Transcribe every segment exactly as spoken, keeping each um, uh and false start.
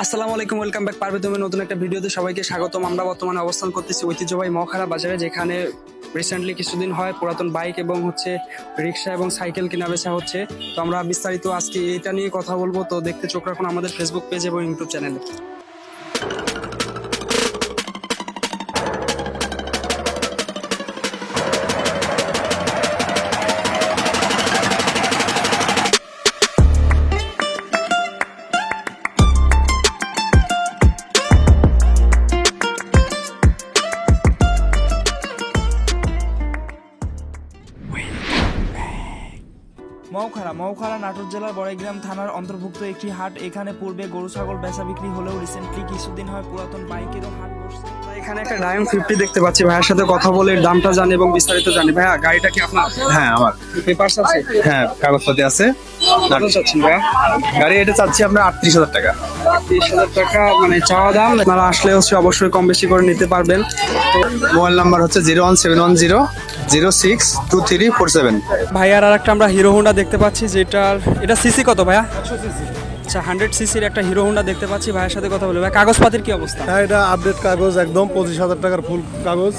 আসসালামু আলাইকুম, welcome back পারবে তুমি নতুন একটা ভিডিওতে সবাইকে স্বাগতম। আমরা বর্তমানে অবস্থান করতেছি ঐতিহ্যবাহী মহাখারা বাজারে, যেখানে রিসেন্টলি কিছুদিন হয় পুরাতন বাইক এবং হচ্ছে রিক্সা এবং সাইকেল কেনা বেচা হচ্ছে। তো আমরা বিস্তারিত আজকে এটা নিয়ে কথা বলবো, তো দেখতে চোখ রাখুন আমাদের ফেসবুক পেজ এবং ইউটিউব চ্যানেলে। মৌখারা মৌখারা নাটোর জেলার বড়াইগ্রাম থানার অন্তর্ভুক্ত একটি হাট। এখানে পূর্বে গরু ছাগল বেচা বিক্রি হলেও রিসেন্টলি কিছুদিন হয় পুরাতন বাইকেরও হাট বসছে। এখানে একটা ডায়ন ফিফটি দেখতে পাচ্ছি, ভাইয়ের সাথে কথা বলে দামটা জানি এবং বিস্তারিত জানি। ভাইয়া, গাড়িটা কি আপনার? হ্যাঁ আমার পেপারস আছে? হ্যাঁ কাগজপাতি আছে। কত চাচ্ছেন ভাইয়া? গাড়ি এটা চাচ্ছি আপনার আটত্রিশ হাজার টাকা। তিরিশ হাজার টাকা মানে চাওয়া দাম। আপনারা আসলে হচ্ছে অবশ্যই কম বেশি করে নিতে পারবেন। মোবাইল নাম্বার হচ্ছে zero one seven one zero zero six two three four seven. ভাইয়ার আর একটা আমরা হিরো হোন্ডা দেখতে পাচ্ছি, যেটার এটা সিসি কত ভাইয়া? আচ্ছা, হান্ড্রেড সিসির একটা হিরো হোন্ডা দেখতে পাচ্ছি। ভাইয়ের সাথে কথা বলে ভাই, কাগজপাতির কি অবস্থা? হ্যাঁ, এটা আপডেট কাগজ, একদম পঁচিশ হাজার টাকার ফুল কাগজ,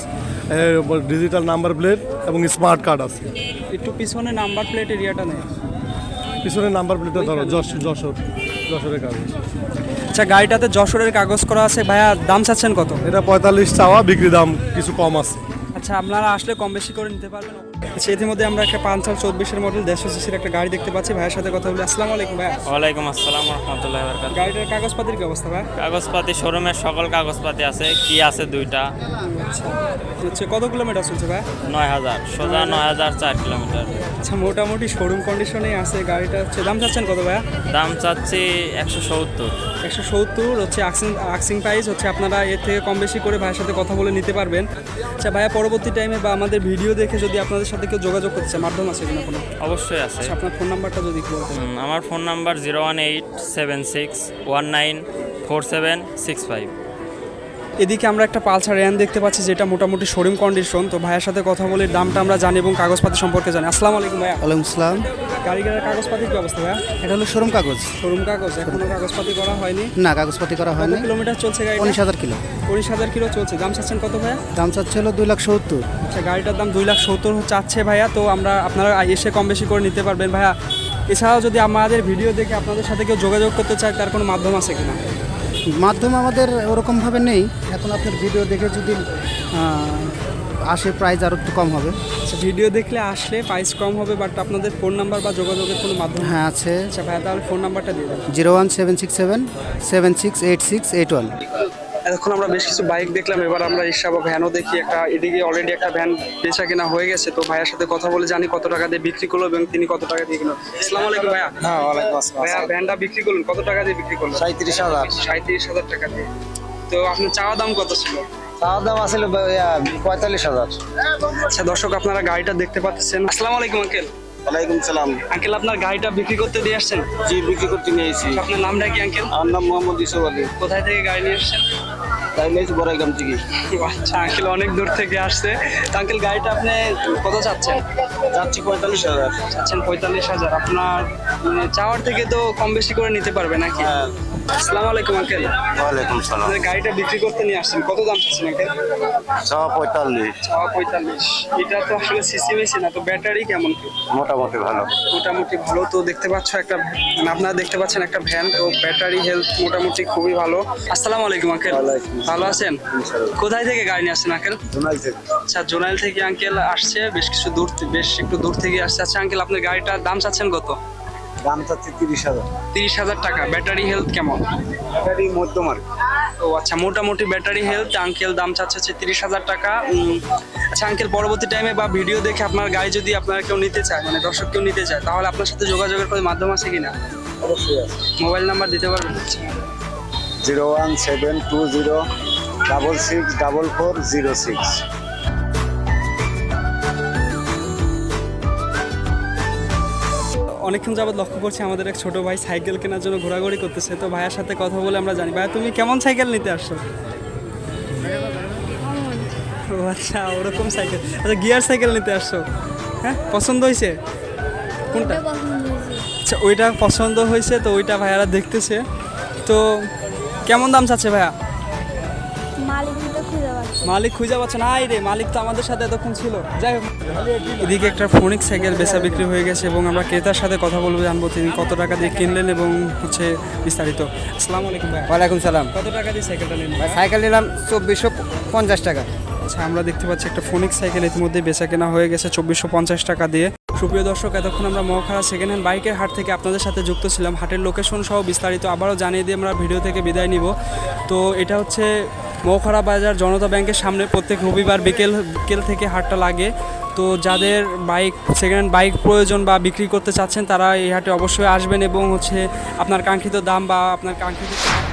ডিজিটাল নাম্বার প্লেট এবং স্মার্ট কার্ড আছে। একটু পিছনে নাম্বার প্লেট এরিয়াটা নেই, পিছনে নাম্বার প্লেটটা ধরো যশ যশোর যশোরের কাগজ। আচ্ছা, গাড়িটাতে যশোরের কাগজ করা আছে। ভাইয়া, দাম চাচ্ছেন কত? এটা পঁয়তাল্লিশ চাওয়া, বিক্রি দাম কিছু কম আছে। আচ্ছা, আপনারা আসলে কম বেশি করে নিতে পারবেন। আচ্ছা, ইতিমধ্যে আমরা একটা পাঁচশো চব্বিশের মডেল দেড়শো সিসির একটা গাড়ি দেখতে পাচ্ছি। ভাইয়ের সাথে কথা বলি। আসসালামু আলাইকুম ভাইয়া। ওয়ালাইকুম আসসালাম রহমতুল্লাহ বরকাত। গাড়িটার কাগজপাতির কি অবস্থা ভাই? কাগজপাতি শোরুমের সকল কাগজপাতি আছে, কি আছে দুইটা। আচ্ছা, হচ্ছে কত কিলোমিটার চলছে ভাই? নয় হাজার সোজা নয় হাজার চার কিলোমিটার। আচ্ছা, মোটামুটি শোরুম কন্ডিশনেই আছে গাড়িটা। হচ্ছে দাম চাচ্ছেন কত ভাইয়া? দাম চাচ্ছি একশো সত্তর। একশো সত্তর হচ্ছে আক্সিং আক্সিং প্রাইস। হচ্ছে আপনারা এর থেকে কম বেশি করে ভাইয়ের সাথে কথা বলে নিতে পারবেন। আচ্ছা ভাইয়া, পরবর্তী টাইমে বা আমাদের ভিডিও দেখে যদি আপনাদের সাথে কেউ যোগাযোগ করতে চায়, মাধ্যম আছে কিনা কোনো? অবশ্যই আছে। আচ্ছা, আপনার ফোন নাম্বারটা যদি একটু বলতেন। হুম, আমার phone number zero one eight seven six one nine four seven six five. এদিকে আমরা একটা পালসার র্যান দেখতে পাচ্ছি, যেটা মোটামুটি শোরুম কন্ডিশন। তো ভাইয়ের সাথে কথা বলে দামটা আমরা জানি এবং কাগজপাতি সম্পর্কে জানি। আসসালামু আলাইকুম ভাইয়া। ওয়ালাইকুম আসসালাম। গাড়ি গাড়ির কাগজপাতির কি অবস্থা ভাইয়া? এটা হলো শোরুম কাগজ। শোরুম কাগজ, এখনো কাগজপাতি করা হয়নি? না, কাগজপাতি করা কত হয়নি। কিলোমিটার চলছে গাড়ি? উনিশ হাজার কিলো। উনিশ হাজার কিলো চলছে। দাম চাচ্ছেন কত ভাইয়া? দাম চাচ্ছে হলো দুই লাখ সত্তর। আচ্ছা, গাড়িটার দাম দুই লাখ সত্তর চাচ্ছে ভাইয়া। তো আমরা আপনারা এসে কম বেশি করে নিতে পারবেন ভাইয়া। এছাড়াও যদি আমাদের ভিডিও দেখে আপনাদের সাথে কেউ যোগাযোগ করতে চায়, তার কোনো মাধ্যম আছে কিনা? মাধ্যম আমাদের ওরকমভাবে নেই। এখন আপনার ভিডিও দেখে যদি আহ, আসে, প্রাইস আরও একটু কম হবে। আচ্ছা, ভিডিও দেখলে আসলে প্রাইস কম হবে, বাট আপনাদের ফোন নাম্বার বা যোগাযোগের কোনো মাধ্যম? হ্যাঁ আছে, আচ্ছা ভাইয়া, তাহলে ফোন নাম্বারটা দিয়ে দেবেন। Zero one seven six seven seven six eight six eight one. এখন আমরা বেশ কিছু বাইক দেখলাম, এবার আমরা রিক্সা বা ভ্যানও দেখি। একটা এদিকে অলরেডি একটা ভ্যান বেচা কেনা হয়ে গেছে। তো ভাইয়ের সাথে কথা বলে জানি কত টাকা দিয়ে বিক্রি করলো এবং তিনি কত টাকা দিয়ে কিনলো। আসসালামু আলাইকুম ভাইয়া। হ্যাঁ ওয়ালাইকুম আসসালাম। ভাইয়া, ভ্যানটা বিক্রি করলেন কত টাকা দিয়ে বিক্রি করলেন? সাঁত্রিশ হাজার। সাঁত্রিশ হাজার টাকা দিয়ে। তো আপনার চাওয়া দাম কত ছিল? চাওয়ার দাম আসলে পঁয়তাল্লিশ হাজার। আচ্ছা দর্শক, আপনারা গাড়িটা দেখতে পাচ্ছেন। আসসালামু আলাইকুম আঙ্কেল। ওয়ালাইকুম সালাম। আঙ্কেল, আপনার গাড়িটা বিক্রি করতে দিয়ে আসছেন? জি, বিক্রি করতে নিয়েছি। আপনার নামটা কি আঙ্কেল? আমার নাম মোহাম্মদ ইউসুফ আলী। কোথায় থেকে গাড়ি নিয়ে আসছেন? তাই নিয়েছি বড়াইগ্রাম থেকে। আচ্ছা আঙ্কেল, অনেক দূর থেকে আসছে। তো আঙ্কেল, গাড়িটা আপনি কত চাচ্ছেন? যাচ্ছি পঁয়তাল্লিশ হাজার। চাচ্ছেন পঁয়তাল্লিশ হাজার। আপনার মানে চাওয়ার থেকে তো কম বেশি করে নিতে পারবে নাকি? হ্যাঁ। আসসালামু আলাইকুম আঙ্কেল। ওয়ালাইকুম সালাম। আপনার গাড়িটা বিক্রি করতে নিয়ে আসছেন, কত দাম চাচ্ছেন আঙ্কেল? চাওয়া পঁয়তাল্লিশ। চাওয়া পঁয়তাল্লিশ। এটা তো আসলে সিসি মেশিন না, তো ব্যাটারি কেমন কি? মোটামুটি ভালো। মোটামুটি ভালো। তো দেখতে পাচ্ছ একটা মানে আপনারা দেখতে পাচ্ছেন একটা ভ্যান, তো ব্যাটারি হেলথ মোটামুটি খুবই ভালো। আসসালামু আলাইকুম আঙ্কেল। ভালো আছেন? কোথায় থেকে গাড়ি নিয়ে আসছেন আঙ্কেল? জোনাল থেকে। আচ্ছা, জোনাইল থেকে আঙ্কেল আসছে, বেশ কিছু দূর থে- বেশ একটু দূর থেকে আসছে। আচ্ছা আঙ্কেল, আপনার গাড়িটার দাম চাচ্ছেন কত? দাম চাচ্ছি তিরিশ হাজার। তিরিশ হাজার টাকা। ব্যাটারি হেলথ কেমন? ব্যাটারি মধ্যম আর কি। ও আচ্ছা, মোটামুটি ব্যাটারি হেলথ। আঙ্কেল দাম চাচ্ছে হচ্ছে তিরিশ হাজার টাকা। উম, আচ্ছা আঙ্কেল, পরবর্তী টাইমে বা ভিডিও দেখে আপনার গাড়ি যদি আপনারা কেউ নিতে চায়, মানে দর্শক কেউ নিতে চায়, তাহলে আপনার সাথে যোগাযোগের কোনো মাধ্যম আছে কিনা? অবশ্যই আছে। মোবাইল নাম্বার দিতে পারবেন? Zero one seven two zero double six double four zero six. অনেকক্ষণ যাবত লক্ষ্য করছি আমাদের এক ছোট ভাই সাইকেল কেনার জন্য ঘোরাঘুরি করতেছে। তো ভাইয়ের সাথে কথা বলে আমরা জানি। ভাইয়া, তুমি কেমন সাইকেল নিতে আসছো? ও আচ্ছা, ওরকম সাইকেল। আচ্ছা, গিয়ার সাইকেল নিতে আসছো? হ্যাঁ, পছন্দ হয়েছে কোনটা? আচ্ছা, ওইটা পছন্দ হয়েছে, তো ওইটা ভাইয়ারা দেখতেছে। তো কেমন দাম চাচ্ছে ভাইয়া? মালিক দিতে খুঁজে পাচ্ছি মালিক খুঁজে পাচ্ছে না? আই রে, মালিক তো আমাদের সাথে এতক্ষণ ছিল। যাই হোক, এদিকে একটা ফোনিক সাইকেল বেচা বিক্রি হয়ে গেছে এবং আমরা ক্রেতার সাথে কথা বলবো, জানবো তিনি কত টাকা দিয়ে কিনলেন এবং হচ্ছে বিস্তারিত। আসসালামু আলাইকুম ভাই। ওয়ালাইকুম সালাম। কত টাকা দিয়ে সাইকেলটা নিলেন? সাইকেল নিলাম চব্বিশশো পঞ্চাশ টাকা। আচ্ছা, আমরা দেখতে পাচ্ছি একটা ফোনিক সাইকেল ইতিমধ্যে বেচা কেনা হয়ে গেছে চব্বিশশো পঞ্চাশ টাকা দিয়ে। সুপ্রিয় দর্শক, এতক্ষণ আমরা মহাখারা সেকেন্ড হ্যান্ড বাইকের হাট থেকে আপনাদের সাথে যুক্ত ছিলাম। হাটের লোকেশন সহ বিস্তারিত আবারও জানিয়ে দিয়ে আমরা ভিডিও থেকে বিদায় নিব। তো এটা হচ্ছে মহাখারা বাজার জনতা ব্যাংকের সামনে, প্রত্যেক রবিবার বিকেল বিকেল থেকে হাটটা লাগে। তো যাদের বাইক সেকেন্ড হ্যান্ড বাইক প্রয়োজন বা বিক্রি করতে চাচ্ছেন তারা এই হাটে অবশ্যই আসবেন এবং হচ্ছে আপনার কাঙ্ক্ষিত দাম বা আপনার কাঙ্ক্ষিত